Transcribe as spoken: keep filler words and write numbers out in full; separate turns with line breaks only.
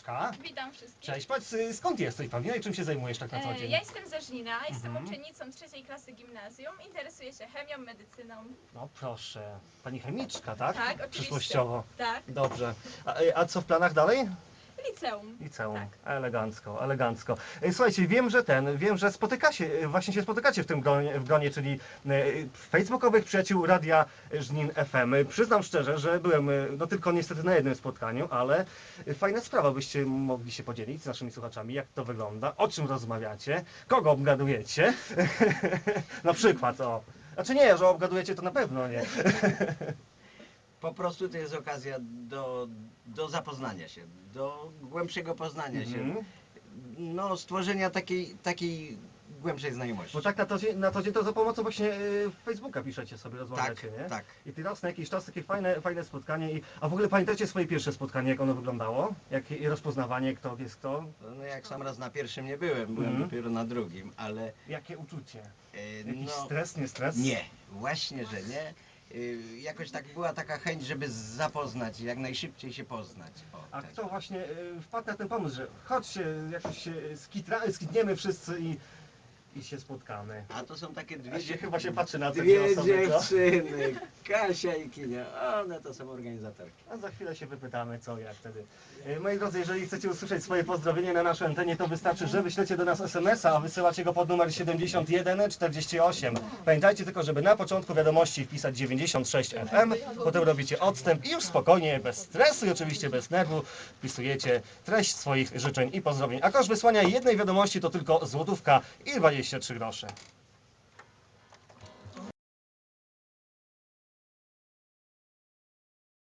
Agnieszka.
Witam wszystkich.
Cześć, powiedz, y, skąd jesteś, Paulina, i czym się zajmujesz tak na co
E,
dzień?
Ja jestem ze Żnina, jestem
Mhm.
uczennicą trzeciej klasy gimnazjum. Interesuję się chemią, medycyną.
No proszę, pani chemiczka, tak?
Tak, oczywiście.
Przyszłościowo.
Tak,
Dobrze. A, y, a co w planach dalej?
liceum.
Liceum.
Tak.
Elegancko, elegancko. Y, Słuchajcie, wiem, że ten, wiem, że spotykacie, y, właśnie się spotykacie w tym gronie, w gronie czyli y, facebookowych przyjaciół Radia Żnin F M. Y, Przyznam szczerze, że byłem, y, no tylko niestety na jednym spotkaniu, ale y, fajna sprawa, byście mogli się podzielić z naszymi słuchaczami, jak to wygląda, o czym rozmawiacie, kogo obgadujecie. Na przykład, o. Znaczy nie, że obgadujecie to na pewno nie.
Po prostu to jest okazja do, do zapoznania się, do głębszego poznania się,
Mhm.
no stworzenia takiej, takiej głębszej znajomości.
Bo tak na to, dzień, na to dzień to za pomocą właśnie y, Facebooka piszecie sobie, rozmawiacie,
Tak,
nie?
tak.
I teraz na jakiś czas takie fajne, fajne spotkanie. I, a w ogóle pamiętacie swoje pierwsze spotkanie, jak ono wyglądało? Jak i rozpoznawanie, kto jest kto?
No jak sam raz na pierwszym nie byłem, byłem
Mhm.
dopiero na drugim, ale
Jakie uczucie?
e,
Jakiś
no
stres, nie stres?
nie, właśnie, że nie. Y, Jakoś tak była taka chęć, żeby zapoznać, jak najszybciej się poznać. O,
A
tak.
kto właśnie y, wpadł na ten pomysł, że chodźcie, jakoś się skitra, skitniemy wszyscy i, i się spotkamy?
A to są takie dwie,
A się
dzie-
chyba się patrzy na te dwie
dwie
osoby, co?
dziewczyny, Kasia i Kinia, one to są organizatorki.
A za chwilę się wypytamy, co jak wtedy. E, Moi drodzy, jeżeli chcecie usłyszeć swoje pozdrowienie na naszej antenie, to wystarczy, że wyślecie do nas es em es a, a wysyłacie go pod numer siedemdziesiąt jeden czterdzieści osiem. Pamiętajcie tylko, żeby na początku wiadomości wpisać dziewięćdziesiąt sześć F M, potem robicie odstęp i już spokojnie, bez stresu i oczywiście bez nerwu wpisujecie treść swoich życzeń i pozdrowień. A koszt wysłania jednej wiadomości to tylko złotówka i dwadzieścia trzy grosze.